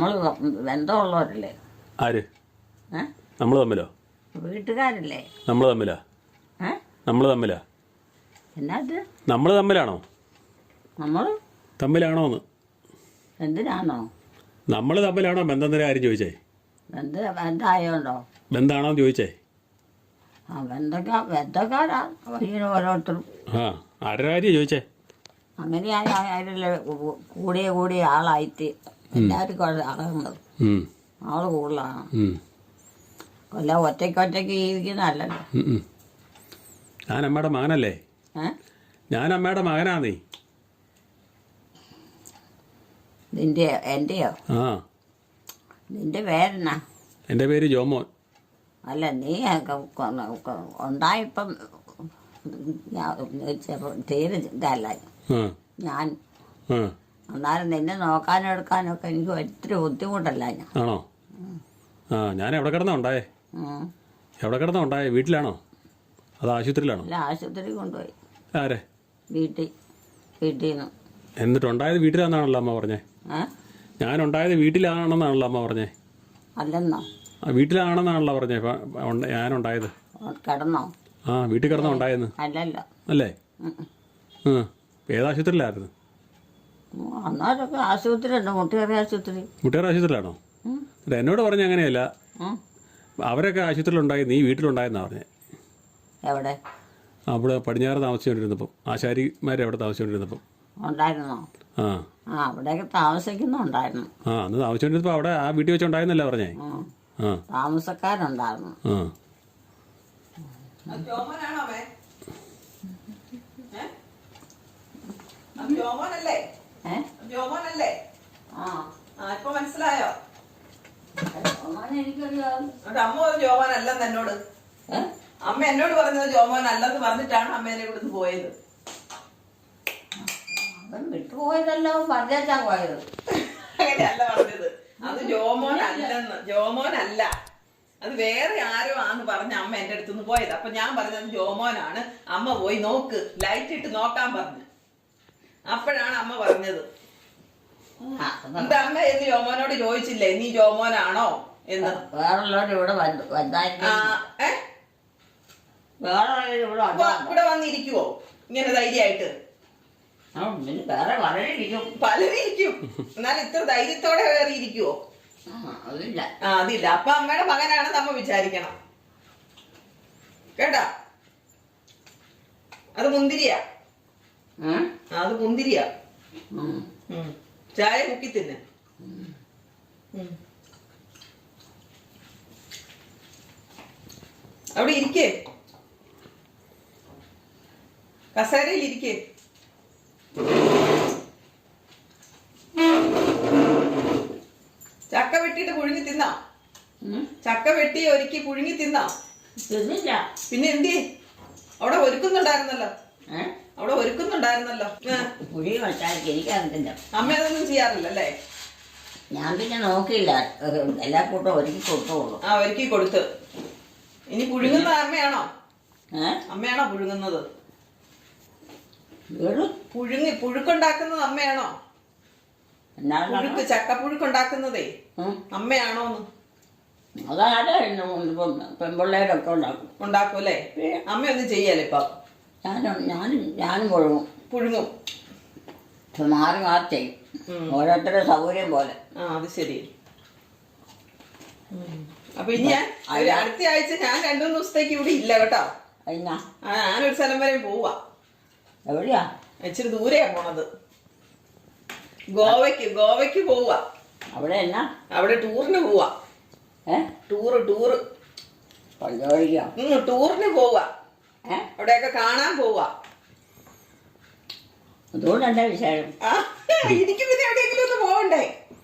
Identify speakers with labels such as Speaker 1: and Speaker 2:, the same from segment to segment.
Speaker 1: നമ്മൾ ബന്ധമുള്ളവരല്ലേ?
Speaker 2: ആര്?
Speaker 1: ഏ?
Speaker 2: നമ്മൾ തമ്മിലോ?
Speaker 1: വീട്ടുകാരല്ലേ?
Speaker 2: നമ്മൾ തമ്മിലാ?
Speaker 1: ഏ?
Speaker 2: നമ്മൾ തമ്മിലാ?
Speaker 1: എന്നാത്?
Speaker 2: നമ്മൾ തമ്മിലാണോ?
Speaker 1: നമ്മൾ
Speaker 2: തമ്മിലാണോന്ന്?
Speaker 1: എന്തിനാണോ?
Speaker 2: നമ്മൾ തമ്മിലാണോ ബന്ധത്തിൻ്റെ കാര്യം ചോദിച്ചേ?
Speaker 1: ബന്ധമായോണ്ടോ?
Speaker 2: ബന്ധമാണോന്ന് ചോദിച്ചേ?
Speaker 1: ആ ബന്ധക്കാരാ ഇങ്ങനെ ഓരോരുത്തരും.
Speaker 2: ആ ആരുടെ കാര്യം ചോദിച്ചേ?
Speaker 1: അങ്ങനെയായ അതിലെ കൂടിയ ആളായിട്ട് എല്ലാവർക്കും അളകുന്നത്
Speaker 2: ഉം.
Speaker 1: ആള് കൂടുതലാണ്.
Speaker 2: ഉം.
Speaker 1: കൊല്ല ഒറ്റയ്ക്ക് ജീവിക്കുന്നതല്ലല്ലോ.
Speaker 2: ഞാൻ അമ്മയുടെ മകനല്ലേ? ഞാൻ അമ്മയുടെ മകനാന്നേ.
Speaker 1: എന്റെയോ?
Speaker 2: ആ.
Speaker 1: നിന്റെ പേരെന്നാ?
Speaker 2: എൻ്റെ പേര് ജോമോൻ.
Speaker 1: അല്ല നീ ഉണ്ടായപ്പം തീരെ ഇതല്ല
Speaker 2: ആ.
Speaker 1: ഞാൻ.
Speaker 2: ആ.
Speaker 1: എന്നാലും നിന്നെ നോക്കാനും എടുക്കാനൊക്കെ എനിക്ക് ഒത്തിരി ബുദ്ധിമുട്ടല്ല ഞാൻ.
Speaker 2: ആണോ? ആ ഞാൻ എവിടെ കിടന്നാ ഉണ്ടായേ? എവിടെ കിടന്നാ ഉണ്ടായേ? വീട്ടിലാണോ അത് ആശുപത്രിയിലാണോ?
Speaker 1: അല്ല, ആശുപത്രി കൊണ്ടുപോയി.
Speaker 2: ആരെ?
Speaker 1: വീട്ടിൽ നിന്ന്.
Speaker 2: എന്നിട്ടുണ്ടായത് വീട്ടിലാണെന്നാണല്ലോ അമ്മ പറഞ്ഞേ. ഞാനുണ്ടായത് വീട്ടിലാണെന്നാണല്ലോ അമ്മ പറഞ്ഞേ.
Speaker 1: അല്ലെന്നോ?
Speaker 2: ആ വീട്ടിലാണെന്നാണല്ലോ പറഞ്ഞേ. ഞാനുണ്ടായത്
Speaker 1: കിടന്നോ?
Speaker 2: ആ വീട്ടിൽ കിടന്നാ ഉണ്ടായെന്ന്.
Speaker 1: അല്ലല്ലോ.
Speaker 2: അല്ലേ? ഏതാശുപത്രിയിലായിരുന്നു?
Speaker 1: അന്നേരമൊക്കെ ആശുപത്രി ഉണ്ട്, മുട്ടുകറി ആശുപത്രി.
Speaker 2: മുട്ടുകറി ആശുപത്രിയിലാണോ? എന്നോട് പറഞ്ഞ അങ്ങനെയല്ല, അവരൊക്കെ ആശുപത്രിയിലുണ്ടായി, നീ വീട്ടിലുണ്ടായെന്നാ പറഞ്ഞേ.
Speaker 1: എവിടെ?
Speaker 2: അവിടെ പടിഞ്ഞാറ് താമസിച്ചുകൊണ്ടിരുന്നപ്പം, ആശാരിമാരെ അവിടെ താമസിച്ചുകൊണ്ടിരുന്നപ്പം
Speaker 1: ഉണ്ടായിരുന്നോ?
Speaker 2: ആ
Speaker 1: അവിടെയൊക്കെ താമസിക്കുന്നുണ്ടായിരുന്നു.
Speaker 2: അന്ന് താമസിച്ചുകൊണ്ടിരുന്നപ്പോൾ അവിടെ ആ വീട്ടിൽ വെച്ചുണ്ടായിരുന്നല്ലേ പറഞ്ഞേ.
Speaker 1: താമസക്കാരുണ്ടായിരുന്നു.
Speaker 3: മനസ്സിലായോ?
Speaker 1: എനിക്കറിയാം.
Speaker 3: അമ്മ ജോമോൻ അല്ലെന്ന് എന്നോട്. അമ്മ എന്നോട് പറഞ്ഞത് ജോമോൻ അല്ലെന്ന് പറഞ്ഞിട്ടാണ് അമ്മേനെ ഇവിടുന്ന് പോയത്.
Speaker 1: വിട്ടുപോയതല്ലോ, പറഞ്ഞാ പോയത്.
Speaker 3: അങ്ങനെയല്ല പറഞ്ഞത്. അത് ജോമോൻ അല്ലെന്ന്. ജോമോൻ അല്ല, അത് വേറെ ആരോ ആന്ന് പറഞ്ഞ അമ്മ എന്റെ അടുത്തുനിന്ന് പോയത്. അപ്പൊ ഞാൻ പറഞ്ഞത് ജോമോനാണ്. അമ്മ പോയി നോക്ക്, ലൈറ്റ് ഇട്ട് നോക്കാൻ പറഞ്ഞു. അപ്പോഴാണ് അമ്മ പറഞ്ഞത്. എന്താ അമ്മ എന്ന് ജോമോനോട് ചോദിച്ചില്ലേ നീ ജോമോനാണോ എന്ന്?
Speaker 1: വേറുള്ളവർ ഇവിടെ
Speaker 3: ഇവിടെ വന്നിരിക്കുവോ ഇങ്ങനെ ധൈര്യമായിട്ട്? പലരും ഇരിക്കും, എന്നാൽ ഇത്ര ധൈര്യത്തോടെ വേറെ ഇരിക്കുവോ? അതില്ല. അപ്പൊ അമ്മയുടെ മകനാണെന്ന് അമ്മ വിചാരിക്കണം കേട്ടാ. അത് മുന്തിരിയാ. അത് മുന്തിരിയാ. ചായ മുക്കി തിന്നെ. അവിടെ ഇരിക്കേ, കസേരയിൽ ഇരിക്കേ. ചക്ക വെട്ടിയിട്ട് പുഴുങ്ങി തിന്നാ? ചക്ക വെട്ടി ഒരുക്കി പുഴുങ്ങി തിന്നാ? പിന്നെ എന്തി അവിടെ ഒരുക്കുന്നുണ്ടായിരുന്നല്ലോ. അവിടെ ഒരുക്കുന്നുണ്ടായിരുന്നല്ലോ. അമ്മ അതൊന്നും ചെയ്യാറില്ല അല്ലേ?
Speaker 1: ഞാൻ പിന്നെ നോക്കിയില്ല, എല്ലാ കൂട്ടം ഒരുക്കി കൊടുത്തോളൂ.
Speaker 3: ഒരുക്കി കൊടുത്ത്. ഇനി പുഴുങ്ങുന്ന അമ്മയാണോ? അമ്മയാണോ പുഴുങ്ങുന്നത്? പുഴുക്കുണ്ടാക്കുന്നത് അമ്മയാണോ? പുഴുക്ക്, ചക്കപ്പുഴുക്കുണ്ടാക്കുന്നതേ അമ്മയാണോന്ന്?
Speaker 1: പെൺപിള്ളേരൊക്കെ
Speaker 3: ഉണ്ടാക്കും അല്ലേ? അമ്മയൊന്നും ചെയ്യല്ലേ ഇപ്പൊ?
Speaker 1: ഞാനും പുഴുങ്ങും. മാറി ചെയ്യും, ഓരോരുത്തരുടെ സൗകര്യം പോലെ.
Speaker 3: അത് ശരി. അപ്പൊ ഇനി അടുത്ത ആഴ്ച ഞാൻ 2-3 ദിവസത്തേക്ക് ഇവിടെ ഇല്ല കേട്ടോ. ഞാനൊരു സ്ഥലം വരെ പോവാ.
Speaker 1: എവിടെയാ?
Speaker 3: ഇച്ചിരി ദൂരെയാ പോണത്. ഗോവയ്ക്ക് പോവാ.
Speaker 1: അവിടെ എന്നാ?
Speaker 3: അവിടെ ടൂറിന് പോവാ. ടൂറ് ടൂറിന് പോവാ. അവിടെയൊക്കെ കാണാൻ പോവാ.
Speaker 1: അതുകൊണ്ട് എന്താ വിശേഷം?
Speaker 3: എനിക്ക് പിന്നെ എവിടെയെങ്കിലും ഒന്ന് പോകണ്ടേ?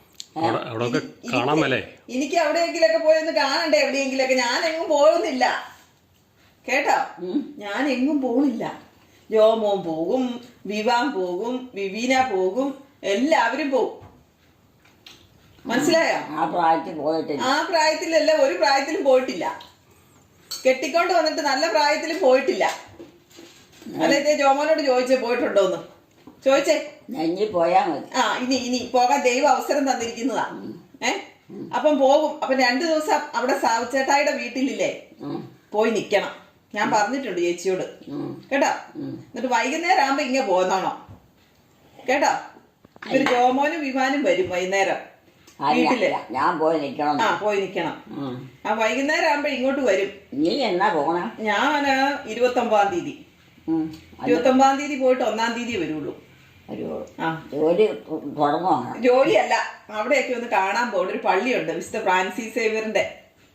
Speaker 3: എനിക്ക് എവിടെയെങ്കിലൊക്കെ പോയൊന്ന് കാണണ്ടേ? എവിടെയെങ്കിലൊക്കെ. ഞാൻ എങ്ങും പോകുന്നില്ല കേട്ടോ. ഞാൻ എങ്ങും പോകുന്നില്ല. ജോമോൻ പോകും, വിവാൻ പോകും, വിവീന പോകും, എല്ലാവരും പോകും. മനസ്സിലായോ? ആ പ്രായത്തിലല്ല, ഒരു പ്രായത്തിലും പോയിട്ടില്ല. കെട്ടിക്കൊണ്ട് വന്നിട്ട് നല്ല പ്രായത്തിലും പോയിട്ടില്ല. അല്ലേ ജോമോനോട് ചോദിച്ചേ പോയിട്ടുണ്ടോന്ന് ചോദിച്ചേ.
Speaker 1: ഇനി പോയാ മതി.
Speaker 3: ഇനി പോകാൻ ദൈവം അവസരം തന്നിരിക്കുന്നതാ. അപ്പം പോകും. അപ്പം 2 ദിവസം അവിടെ സാവുച്ചേട്ടായിയുടെ വീട്ടിലില്ലേ പോയി നിക്കണം. ഞാൻ പറഞ്ഞിട്ടുണ്ട് ചേച്ചിയോട് കേട്ടോ. എന്നിട്ട് വൈകുന്നേരം ആകുമ്പോ ഇങ്ങനെ പോന്നോണം കേട്ടോ. ഒരു ജോമോനും വിമാനും വരും വൈകുന്നേരം വീട്ടില്.
Speaker 1: ഞാൻ പോയി നിക്കണം.
Speaker 3: പോയി നിക്കണം. വൈകുന്നേരം ആകുമ്പോ ഇങ്ങോട്ട് വരും.
Speaker 1: നീ എന്നാ പോണ?
Speaker 3: ഞാൻ 29-ാം തീയതി 29-ാം തീയതി പോയിട്ട് 1-ാം തീയതി വരുള്ളൂ.
Speaker 1: ജോലി തുടങ്ങുവാണ്?
Speaker 3: ജോലിയല്ല, അവിടെയൊക്കെ ഒന്ന് കാണാൻ പോകും. ഒരു പള്ളിയുണ്ട്, മിസ്റ്റർ ഫ്രാൻസിസ് സേവ്യറിന്റെ.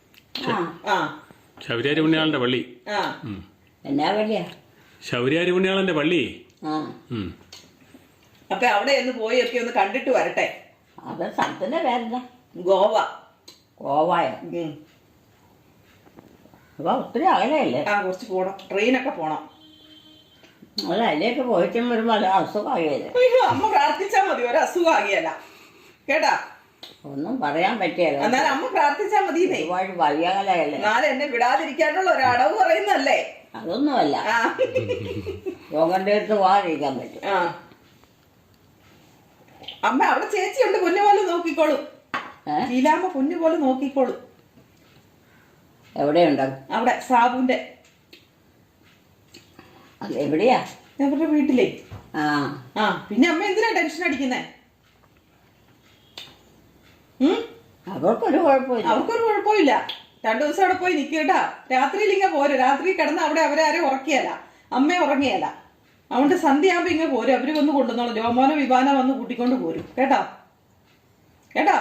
Speaker 2: ശൗര്യാരി പുണ്യാളന്റെ പള്ളി.
Speaker 1: എന്നാ പള്ളിയാ?
Speaker 2: ശൗര്യാരി പുണ്യാളന്റെ പള്ളി.
Speaker 3: അപ്പൊ അവിടെ ഒന്ന് പോയി ഒക്കെ ഒന്ന് കണ്ടിട്ട് വരട്ടെ.
Speaker 1: അത് സ്ഥലത്തിന്റെ പേരെന്താ?
Speaker 3: ഗോവ.
Speaker 1: ഗോവയോ? അപ്പൊ ഒത്തിരി അകലെയല്ലേ?
Speaker 3: കുറച്ച് പോണം, ട്രെയിനൊക്കെ പോണം.
Speaker 1: അല്ല, അതിലേക്ക് പോയിട്ടും വരുമ്പോ അത് അസുഖമാകിയല്ലേ?
Speaker 3: അമ്മ പ്രാർത്ഥിച്ചാ മതി, ഒരു അസുഖമാകിയല്ല കേട്ടാ.
Speaker 1: ഒന്നും പറയാൻ പറ്റിയല്ലോ.
Speaker 3: എന്നാലും അമ്മ പ്രാർത്ഥിച്ചാ മതി.
Speaker 1: ഒരുപാട് വഴിയകലയല്ലേ?
Speaker 3: എന്നാലും എന്നെ വിടാതിരിക്കാനുള്ള ഒരു അടവ് പറയുന്നല്ലേ?
Speaker 1: അതൊന്നുമല്ല, രോഗന്റെ അടുത്ത് പോകാതിരിക്കാൻ പറ്റും.
Speaker 3: അമ്മ അവിടെ ചേച്ചിയുണ്ട്, പൊന്നു പോലെ നോക്കിക്കോളും. ലീലാമ്മ പൊന്നു പോലെ നോക്കിക്കോളും.
Speaker 1: എവിടെയുണ്ട്?
Speaker 3: അവിടെ സാബുന്റെ.
Speaker 1: എവിടെയാ?
Speaker 3: അവരുടെ വീട്ടിലേ. പിന്നെ അമ്മ എന്തിനാ ടെൻഷൻ അടിക്കുന്നേ?
Speaker 1: അവർക്കൊരു കുഴപ്പമില്ല.
Speaker 3: അവർക്കൊരു കുഴപ്പമില്ല. 2 ദിവസം അവിടെ പോയി നിൽക്കട്ടാ. രാത്രിയിൽ ഇങ്ങനെ പോരും. രാത്രി കിടന്ന് അവിടെ അവരാരും ഉറക്കിയല്ല, അമ്മ ഉറങ്ങിയല്ല. അതുകൊണ്ട് സന്ധ്യയാകുമ്പോ ഇങ്ങനെ പോരും. അവര് വന്ന് കൊണ്ടുവന്നോളൂ. ജോമോനോ വിവാനോ വന്ന് കൂട്ടിക്കൊണ്ട് പോരും കേട്ടോ. കേട്ടോ?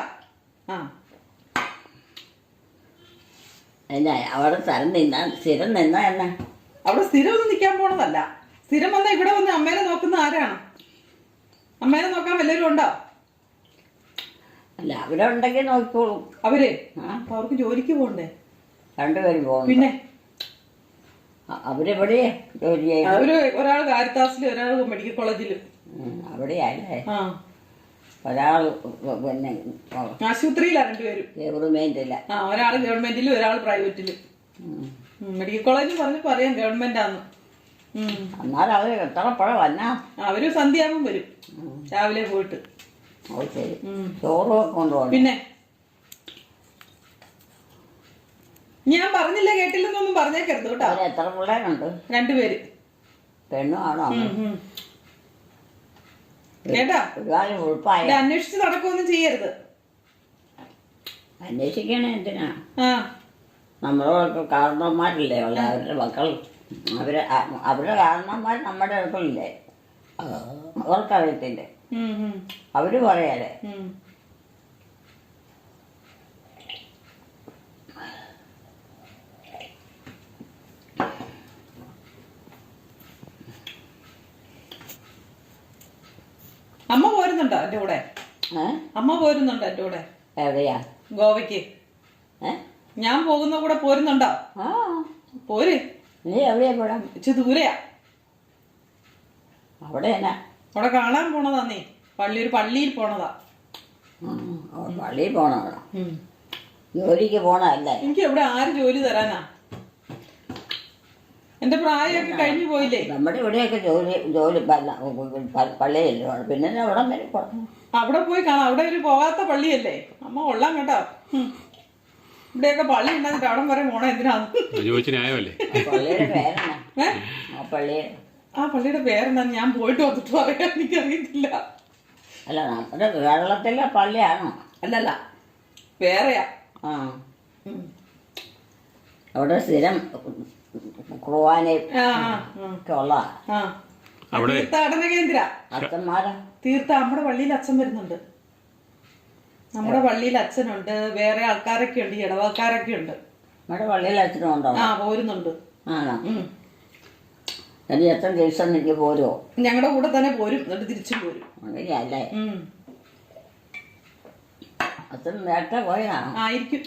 Speaker 1: അവിടെ സ്ഥിരം നിന്നാ എന്നാ?
Speaker 3: അവിടെ സ്ഥിരം ഒന്നും നിൽക്കാൻ പോണതല്ല. സ്ഥിരം വന്നാ ഇവിടെ വന്ന് അമ്മേനെ നോക്കുന്ന ആരാണ്? അമ്മേനെ നോക്കാൻ വല്ലവരും ഉണ്ടോ?
Speaker 1: അല്ല, അവരുണ്ടെങ്കിൽ നോക്കിക്കോളും.
Speaker 3: അവർക്ക് ജോലിക്ക് പോകണ്ടേ?
Speaker 1: 2 പേരും പോകും.
Speaker 3: പിന്നെ
Speaker 1: അവരെവിടെയാ ജോലി ചെയ്യുന്നത്?
Speaker 3: അവര് ഒരാൾ കാരിത്താസിലും ഒരാൾ മെഡിക്കൽ കോളേജിലും.
Speaker 1: അവിടെയല്ലേ? ഒരാൾ പിന്നെ
Speaker 3: ആശുപത്രിയിലാണ് 2 പേരും.
Speaker 1: ഗവൺമെന്റില്ല.
Speaker 3: ഒരാൾ ഗവൺമെന്റിലും ഒരാൾ പ്രൈവറ്റിലും. മെഡിക്കൽ കോളേജിൽ പറയാം ഗവൺമെന്റാന്ന്.
Speaker 1: എന്നാലും അവര് എത്രപ്പോഴും വന്നാ?
Speaker 3: അവര് സന്ധ്യയാകുമ്പം വരും, രാവിലെ പോയിട്ട്.
Speaker 1: ചോറും കൊണ്ടുപോകും.
Speaker 3: പിന്നെ ഞാൻ പറഞ്ഞില്ല കേട്ടില്ലെന്നൊന്നും പറഞ്ഞേക്കരുത് കേട്ടോ.
Speaker 1: എത്ര പിള്ളേരുണ്ട്?
Speaker 3: 2 പേര്.
Speaker 1: പെണ്ണും ആണോ?
Speaker 3: കേട്ടാ?
Speaker 1: ഉൾപ്പായ
Speaker 3: അന്വേഷിച്ച് നടക്കുകയൊന്നും ചെയ്യരുത്.
Speaker 1: അന്വേഷിക്കണേ എന്തിനാ? നമ്മളോടൊക്കെ കാരണന്മാരില്ലേ ഉള്ള അവരുടെ മക്കൾ. അവരുടെ കാരണന്മാർ നമ്മുടെ അടുക്കളില്ലേ? അവർക്കറിയത്തില്ലേ? അവര് പറയാലേ.
Speaker 3: അമ്മ പോരുന്നുണ്ടോ എന്റെ കൂടെ? അമ്മ പോരുന്നുണ്ടോ എന്റെ കൂടെ?
Speaker 1: എവിടെയാ?
Speaker 3: ഗോവയ്ക്ക്. ഞാൻ പോകുന്ന കൂടെ പോരുന്നുണ്ടോ? പോര്.
Speaker 1: നീ എവിടെയാ പോടാ?
Speaker 3: ഇച്ചിരി ദൂരെയാ.
Speaker 1: അവിടെ
Speaker 3: അവിടെ കാണാൻ പോണതാ. നീ ഒരു പള്ളിയിൽ പോണതാ.
Speaker 1: പള്ളിയിൽ പോണതാ? ജോലിക്ക് പോണതല്ലേ?
Speaker 3: എനിക്ക് എവിടെ ആര് ജോലി തരാനാ? എന്റെ പ്രായമൊക്കെ കഴിഞ്ഞു പോയില്ലേ?
Speaker 1: നമ്മുടെ ഇവിടെയൊക്കെ ജോലി പള്ളിയല്ലേ? പിന്നെ അവിടെ വരെ പോകണം.
Speaker 3: അവിടെ പോയി കാണാം. അവിടെ ഒരു പോകാത്ത പള്ളിയല്ലേ? അമ്മ കൊള്ളാം കേട്ടോ. ഇവിടെയൊക്കെ പള്ളി ഉണ്ടാക്കിട്ട് അവിടെ വരെ പോണ എന്തിനാന്ന്?
Speaker 1: പള്ളിയുടെ പേരെന്നാ?
Speaker 3: പള്ളിയുടെ പേരെന്താന്ന് ഞാൻ പോയിട്ട് വന്നിട്ട് പറയാൻ എനിക്കറിയത്തില്ല.
Speaker 1: അല്ല, നമ്മുടെ കേരളത്തിലെ പള്ളിയാണോ?
Speaker 3: അല്ലല്ല, വേറെയാ.
Speaker 1: അവിടെ സ്ഥിരം കുർബാനയും ഉള്ള
Speaker 3: തീർത്ഥാടന കേന്ദ്ര.
Speaker 1: അച്ഛന്മാരാ?
Speaker 3: നമ്മുടെ പള്ളിയിൽ അച്ഛൻ വരുന്നുണ്ട്. നമ്മുടെ പള്ളിയിൽ അച്ഛനുണ്ട്, വേറെ ആൾക്കാരൊക്കെ ഉണ്ട്, ഇടവക്കാരൊക്കെ ഉണ്ട്.
Speaker 1: നമ്മുടെ പള്ളിയിൽ അച്ഛനും ഉണ്ടോ?
Speaker 3: പോരുന്നുണ്ട്.
Speaker 1: ആണോ? ഇനി എത്ര ദിവസം എനിക്ക് പോരുമോ?
Speaker 3: ഞങ്ങളുടെ കൂടെ തന്നെ പോരും, എന്നിട്ട് തിരിച്ചും പോരും.
Speaker 1: അങ്ങനെയല്ലേ? അച്ഛൻ നേരത്തെ പോയതാണോ?
Speaker 3: ആയിരിക്കും.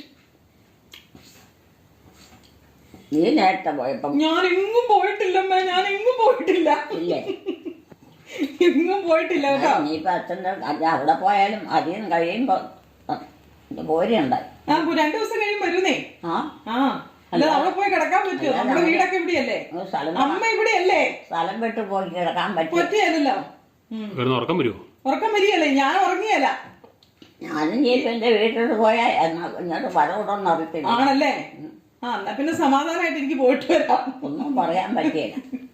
Speaker 1: നീ നേരത്തെ പോയപ്പോ?
Speaker 3: ഞാൻ എങ്ങും പോയിട്ടില്ലമ്മ, ഞാൻ എങ്ങും പോയിട്ടില്ല.
Speaker 1: ഇല്ലേ?
Speaker 3: എങ്ങും പോയിട്ടില്ല കേട്ടോ.
Speaker 1: നീയിപ്പോ അച്ഛൻ്റെ അവിടെ പോയാലും അധികം കഴിയുമ്പോ പോരുണ്ടായി.
Speaker 3: 2 ദിവസം കഴിയും വരുന്നേ. അല്ല, അവിടെ പോയി കിടക്കാൻ പറ്റുമോ? നമ്മുടെ വീടൊക്കെ ഇവിടെയല്ലേ? അമ്മ ഇവിടെയല്ലേ?
Speaker 1: സ്ഥലം വിട്ട് പോയി കിടക്കാൻ
Speaker 3: പറ്റിയല്ലോ.
Speaker 2: ഉറക്കം വരുമോ?
Speaker 3: ഉറക്കം വരികയല്ലേ? ഞാൻ ഉറങ്ങിയല്ല.
Speaker 1: ഞാനും ഇനിയിപ്പോൾ എൻ്റെ വീട്ടിലോട്ട് പോയാൽ ഇങ്ങോട്ട് വരവിടൊന്നും അറിയത്തില്ല.
Speaker 3: ആണല്ലേ? ആ എന്നാ പിന്നെ സമാധാനമായിട്ട് എനിക്ക് പോയിട്ട് വരാം.
Speaker 1: ഒന്നും പറയാൻ പറ്റിയില്ല.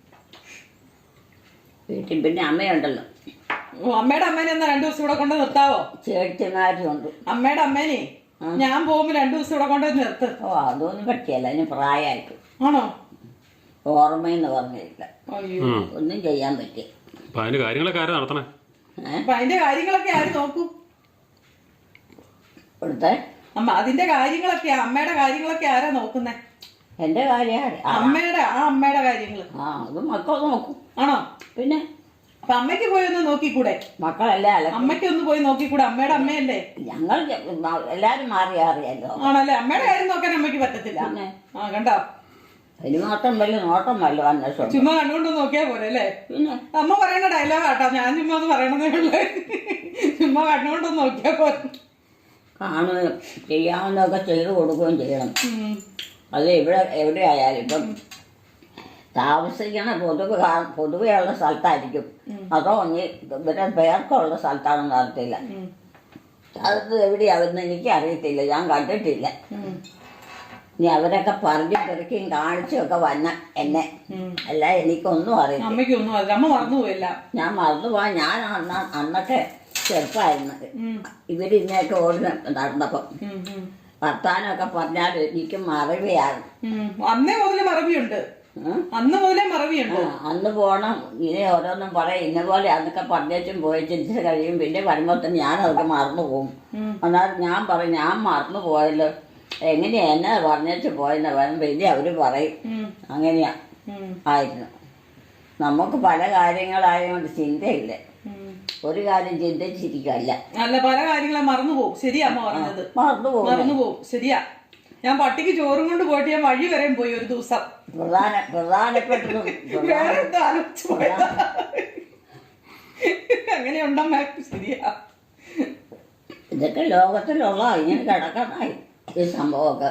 Speaker 1: വീട്ടിൽ പിന്നെ അമ്മയുണ്ടല്ലോ.
Speaker 3: അമ്മയുടെ അമ്മേനെ എന്നാ 2 ദിവസം ഇവിടെ കൊണ്ട് നിർത്താവോ?
Speaker 1: ചേച്ചിമാരും ഉണ്ട്.
Speaker 3: അമ്മയുടെ അമ്മേനെ ഞാൻ പോകുമ്പോ 2 ദിവസം ഇവിടെ കൊണ്ട് നിർത്ത്.
Speaker 1: ഓ അതൊന്നും പറ്റിയല്ല, അതിന് പ്രായമായിട്ട്.
Speaker 3: ആണോ?
Speaker 1: ഓർമ്മയെന്ന് പറഞ്ഞില്ല,
Speaker 3: അയ്യോ,
Speaker 1: ഒന്നും ചെയ്യാൻ പറ്റിയ.
Speaker 2: അപ്പൊ അതിന്റെ കാര്യങ്ങളൊക്കെ ആരാ നടത്തണേ?
Speaker 3: അപ്പൊ അതിന്റെ കാര്യങ്ങളൊക്കെ ആര് നോക്കൂ?
Speaker 1: ഇവിടുത്തെ
Speaker 3: അമ്മ അതിന്റെ കാര്യങ്ങളൊക്കെ അമ്മയുടെ കാര്യങ്ങളൊക്കെ ആരാ നോക്കുന്നേ?
Speaker 1: എൻ്റെ കാര്യമാണ്
Speaker 3: അമ്മയുടെ കാര്യങ്ങള്.
Speaker 1: ആ അത് മക്കൾ നോക്കും.
Speaker 3: ആണോ?
Speaker 1: പിന്നെ
Speaker 3: അപ്പൊ അമ്മയ്ക്ക് പോയി ഒന്ന് നോക്കിക്കൂടെ?
Speaker 1: മക്കളല്ലേ അല്ല,
Speaker 3: അമ്മയ്ക്ക് ഒന്ന് പോയി നോക്കിക്കൂടെ? അമ്മയുടെ അമ്മയല്ലേ?
Speaker 1: ഞങ്ങൾ എല്ലാരും മാറി അറിയാലോ.
Speaker 3: ആണല്ലേ? അമ്മയുടെ കാര്യം നോക്കാൻ അമ്മയ്ക്ക് പറ്റത്തില്ല. ആ കണ്ടോ,
Speaker 1: അതിന് മാത്രം വലിയ നോട്ടം വല്ലോ അന്വേഷണം.
Speaker 3: ചുമ്മാ കണ്ടുകൊണ്ട് നോക്കിയാ പോരെ അല്ലേ?
Speaker 1: പിന്നെ
Speaker 3: അമ്മ പറയുന്ന ഡയലോഗ് ആട്ടോ, ഞാൻ ചുമ്മാ ഒന്ന് പറയണതേ ഉള്ളു. ചുമ്മാ കണ്ടുകൊണ്ടൊന്ന് നോക്കിയാ പോരെ.
Speaker 1: കാണുകയും ചെയ്യാവുന്നതൊക്കെ ചെയ്തു കൊടുക്കുകയും ചെയ്യണം. അത് എവിടെ ആയാലും ഇപ്പം താമസിക്കണ പൊതുവെയുള്ള സ്ഥലത്തായിരിക്കും, അതോ ഇനി ഇവരെ പേർക്കുള്ള സ്ഥലത്താണെന്ന് അറിയത്തില്ല. അത് എവിടെയാവുന്ന എനിക്ക് അറിയത്തില്ല, ഞാൻ കണ്ടിട്ടില്ല. ഇനി അവരൊക്കെ പറഞ്ഞു പെറുക്കിയും കാണിച്ചും ഒക്കെ വന്ന എന്നെ അല്ല എനിക്കൊന്നും അറിയില്ല.
Speaker 3: അമ്മയ്ക്കൊന്നും അറിയില്ല, അമ്മ മറന്നുപോയില്ല.
Speaker 1: ഞാൻ മറന്നുപോവാൻ. ഞാൻ അന്നൊക്കെ ചെറുപ്പമായിരുന്നു. ഇവരിന്നൊക്കെ ഓടി നടന്നപ്പം വർത്താനമൊക്കെ പറഞ്ഞാൽ എനിക്ക് മറവിയാണ്.
Speaker 3: അന്നേ മുതലേ മറവിയുണ്ട്. അന്ന് മുതലേ മറവിയുണ്ട്.
Speaker 1: അന്ന് പോണം ഇനി ഓരോന്നും പറയും, ഇന്ന പോലെ അന്നൊക്കെ പറഞ്ഞേച്ചും പോയി ചിന്തിച്ച് കഴിയും. പിന്നെ വരുമ്പോഴത്തേന് ഞാൻ അതൊക്കെ മറന്നു പോകും. എന്നാൽ ഞാൻ പറയും ഞാൻ മറന്നു പോയല്ലോ, എങ്ങനെയാ എന്നെ പറഞ്ഞേച്ച് പോയെന്ന് പറയും. പിന്നെ അവര് പറയും അങ്ങനെയാ ആയിരുന്നു. നമുക്ക് പല കാര്യങ്ങളായതുകൊണ്ട് ചിന്തയില്ല, ഒരു കാര്യം ചിന്തിച്ചിരിക്കല്ല.
Speaker 3: അല്ല, പല കാര്യങ്ങളും മറന്നുപോകും. ശരിയാ അമ്മ പറഞ്ഞത്,
Speaker 1: മറന്നുപോകും.
Speaker 3: ശരിയാ. ഞാൻ പട്ടിക്ക് ചോറും കൊണ്ട് പോയിട്ട് ഞാൻ വഴി വരെയും പോയി ഒരു ദിവസം.
Speaker 1: പ്രധാനപ്പെട്ടതും
Speaker 3: വേറെ എന്തോ ആലോചിച്ചു പോയതാ. അങ്ങനെയുണ്ടമ്മ, ശരിയാ.
Speaker 1: ഇതൊക്കെ ലോകത്തിലുള്ള ഇങ്ങനെ കിടക്കണായി ഈ സംഭവമൊക്കെ.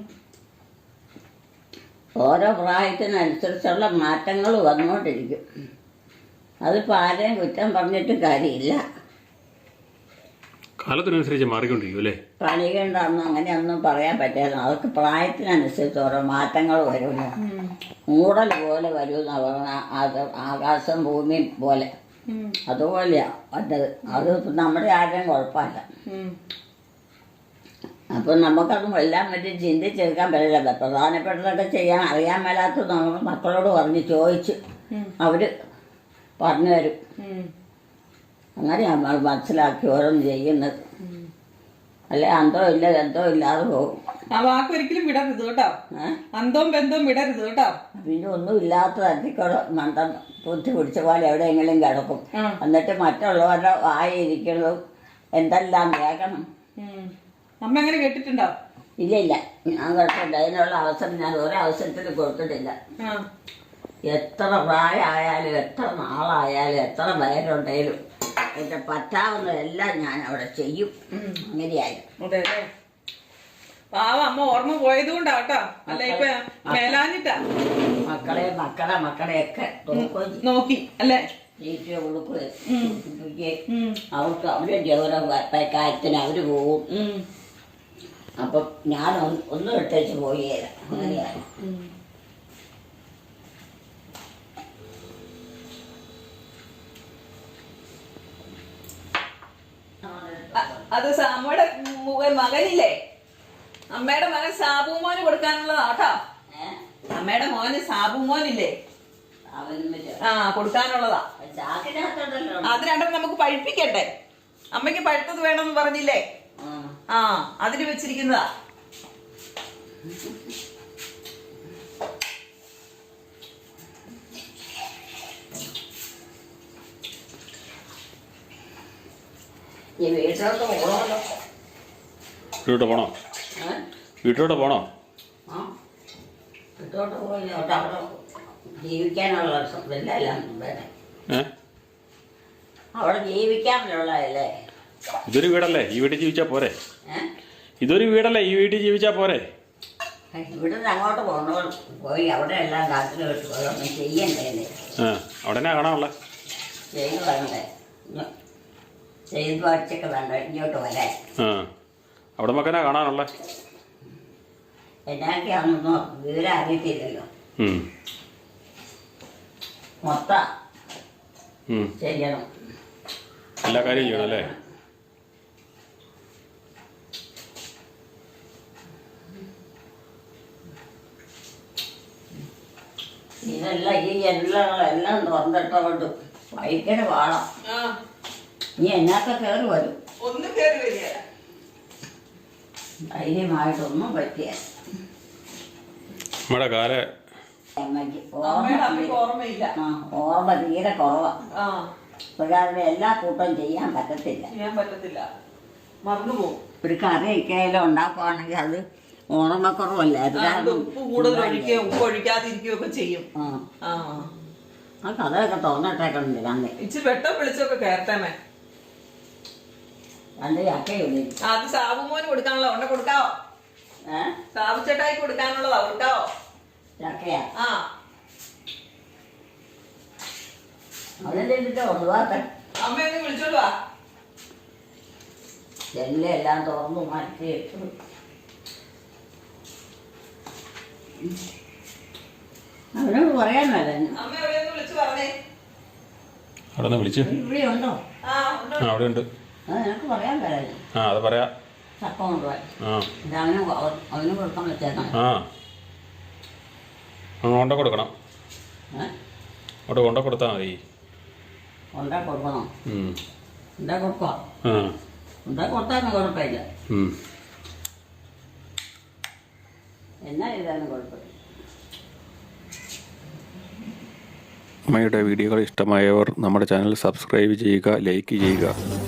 Speaker 1: ഓരോ പ്രായത്തിനനുസരിച്ചുള്ള മാറ്റങ്ങൾ വന്നുകൊണ്ടിരിക്കും. അതിപ്പോൾ ആരെയും കുറ്റം പറഞ്ഞിട്ട് കാര്യമില്ല.
Speaker 2: കാലത്തിനനുസരിച്ച് മാറിക്കൊണ്ടിരിക്കും അല്ലേ?
Speaker 1: പണികളുണ്ടെന്ന് അങ്ങനെയൊന്നും പറയാൻ പറ്റില്ല. അതൊക്കെ പ്രായത്തിനനുസരിച്ച് ഓരോ മാറ്റങ്ങൾ വരുന്നു. മൂടൽ പോലെ വരുമെന്ന് പറഞ്ഞാൽ അത് ആകാശം ഭൂമിയും പോലെ അതുപോലെയാ വന്നത്. അത് നമ്മുടെ ആരുടെയും കുഴപ്പമില്ല. അപ്പം നമുക്കത് എല്ലാം പറ്റി ചിന്തിച്ചെടുക്കാൻ പറ്റില്ല. പ്രധാനപ്പെട്ടതൊക്കെ ചെയ്യാൻ അറിയാൻ മേലാത്ത നമ്മൾ മക്കളോട് പറഞ്ഞ് ചോദിച്ച് അവർ പറഞ്ഞു തരും. അങ്ങനെയാണ് നമ്മൾ മനസ്സിലാക്കി ഓരോന്ന് ചെയ്യുന്നത്. അല്ലെ എന്തോ ഇല്ലാതെ പോകും.
Speaker 3: ആ വാക്ക് ഒരിക്കലും വിടരുത് കേട്ടോ. അന്തവും ബന്ധവും വിടരുത് കേട്ടോ.
Speaker 1: പിന്നെ ഒന്നും ഇല്ലാത്ത തരത്തിക്കൂടെ മണ്ടം ബുദ്ധി പിടിച്ച പോലെ എവിടെയെങ്കിലും കിടക്കും. എന്നിട്ട് മറ്റുള്ളവരുടെ വായിരിക്കുന്നതും എന്തെല്ലാം കേൾക്കണം.
Speaker 3: അമ്മ എങ്ങനെ കേട്ടിട്ടുണ്ടോ?
Speaker 1: ഇല്ല, ഞാൻ കേട്ടില്ല. അതിനുള്ള അവസരം ഞാൻ ഒരവസരത്തിൽ കൊടുത്തിട്ടില്ല. എത്ര പ്രായമായാലും എത്ര നാളായാലും എത്ര പേരുണ്ടെങ്കിലും എന്റെ പറ്റാവുന്നതെല്ലാം ഞാൻ അവിടെ ചെയ്യും. അങ്ങനെയായിരുന്നു.
Speaker 3: അതെ അല്ലേ? പാവ അമ്മ ഓർമ്മ പോയത് കൊണ്ടാട്ടോ, അല്ല ഇപ്പൊ മേലാഞ്ഞിട്ടാ.
Speaker 1: മക്കളെയൊക്കെ
Speaker 3: നോക്കി അല്ലേ?
Speaker 1: ജീവിച്ചു കൊടുക്കുകയും അവർക്ക് അവരുടെ കാര്യത്തിന് അവര് പോവും. അപ്പം ഞാൻ ഒന്നും എടുത്തേച്ച് പോയില്ല. അങ്ങനെയാണ്.
Speaker 3: അത് അമ്മയുടെ മകനില്ലേ, അമ്മയുടെ മകൻ സാബുമോന് കൊടുക്കാനുള്ളതാട്ടോ. അമ്മയുടെ മോന് സാബുമോനില്ലേ, കൊടുക്കാനുള്ളതാ. അത് രണ്ടും നമുക്ക് പഴുപ്പിക്കട്ടെ. അമ്മയ്ക്ക് പഴുത്തത് വേണമെന്ന് പറഞ്ഞില്ലേ? അതിന് വെച്ചിരിക്കുന്നതാ.
Speaker 2: വീട്ടിലോട്ട് പോണോ? വീട്ടിലോട്ട് പോണോ?
Speaker 1: വീട്ടിലോട്ട് പോയി അവിടെ ജീവിക്കാനുള്ള അവിടെ ജീവിക്കാനുള്ളതല്ലേ.
Speaker 2: ഇതൊരു വീടല്ലേ, ഈ വീട്ടിൽ ജീവിച്ചാ പോരെ? ഇതൊരു വീടല്ലേ, ഈ വീട്ടിൽ ജീവിച്ചാ പോരെ?
Speaker 1: ഇവിടുന്ന് അങ്ങോട്ട് പോയി അവിടെ എല്ലാം കാട്ടിൽ ഒന്നും ചെയ്യണ്ടേ?
Speaker 2: അവിടെ കാണാനുള്ള
Speaker 1: ചെയ്യുന്നതല്ലേ. ചെയ്ത് പഠിച്ചൊക്കെ വേണ്ട ഇങ്ങോട്ട് വരാൻ.
Speaker 2: ആ അവിടെ മക്കനാ കാണാനുള്ള
Speaker 1: എന്നൊക്കെയാണെന്നോ വിവരം അറിയത്തില്ലല്ലോ. മൊത്തം ചെയ്യണം,
Speaker 2: എല്ലാ കാര്യവും ചെയ്യണം അല്ലേ?
Speaker 1: ഇതെല്ലാം എല്ലാം തുറന്നിട്ടോണ്ട് ഭയങ്കര പാടാം. നീ എന്നൊക്കെ കയറി വരും,
Speaker 3: ഒന്നും കേറി വരിക
Speaker 1: ധൈര്യമായിട്ടൊന്നും പറ്റിയ
Speaker 2: നമ്മുടെ കാല
Speaker 1: അമ്മയ്ക്ക്
Speaker 3: ഓർമ്മയില്ല.
Speaker 1: ഓർമ്മ തീരെ കുറവാണ്. പ്രകാരം എല്ലാ കൂട്ടവും ചെയ്യാൻ പറ്റത്തില്ല.
Speaker 3: മറന്നു പോകും.
Speaker 1: ഒരു കറി ഒക്കെയായാലും ഉണ്ടാക്കുവാണെങ്കിൽ അത് ഓർമ്മക്കുറവല്ല.
Speaker 3: ഉപ്പ് കൂടുതൽ ഒഴിക്കുകയും ഉപ്പ് ഒഴിക്കാതിരിക്കുകയൊക്കെ ചെയ്യും.
Speaker 1: ആ കഥയൊക്കെ തുറന്നിട്ടേക്കുന്നുണ്ട്. ഞാൻ
Speaker 3: ഇച്ചിരി വെട്ടം വിളിച്ചൊക്കെ കേരട്ടമേ.
Speaker 1: രണ്ട് ചക്കയുള്ളൂ.
Speaker 3: അത് സാബുമോന് കൊടുക്കാനുള്ള ഉണ്ട കൊടുക്കാവോ? സാബു ചേട്ടായി കൊടുക്കാനുള്ളതാ, കൊടുക്കാവോ?
Speaker 1: ചക്കയാ?
Speaker 3: ആ
Speaker 1: അതിന്റെ ഒഴിവാക്ക.
Speaker 3: അമ്മയൊന്ന് വിളിച്ചോണ്ട് വാ.
Speaker 1: എല്ലാം തുറന്നു മാറ്റി അവനോട് പറയാൻ മേല.
Speaker 3: അമ്മ എവിടെയൊന്ന് വിളിച്ചു പറഞ്ഞേ.
Speaker 2: അവിടെ നിന്ന് വിളിച്ചു.
Speaker 1: ഇവിടെ ഉണ്ടോ?
Speaker 2: ആ അവിടെ ഉണ്ട്.
Speaker 1: അത് നിനക്ക് പറയാൻ മേല.
Speaker 2: ആ അത് പറയാ.
Speaker 1: ചക്ക കൊണ്ടുപോയി അവന് കൊടുക്കാൻ വെച്ചേക്കണം.
Speaker 2: ആ കൊണ്ട കൊടുക്കണം. അവിടെ കൊണ്ട കൊടുത്താൽ മതി.
Speaker 1: കൊണ്ടാ കൊടുക്കണം. ഉണ്ടാ കൊടുക്കാം. ഉണ്ടാ കൊടുത്താലും കുഴപ്പമില്ല. എന്നാ ചെയ്താലും കുഴപ്പമില്ല.
Speaker 2: അമ്മയുടെ വീഡിയോകൾ ഇഷ്ടമായവർ നമ്മുടെ ചാനൽ സബ്സ്ക്രൈബ് ചെയ്യുക, ലൈക്ക് ചെയ്യുക.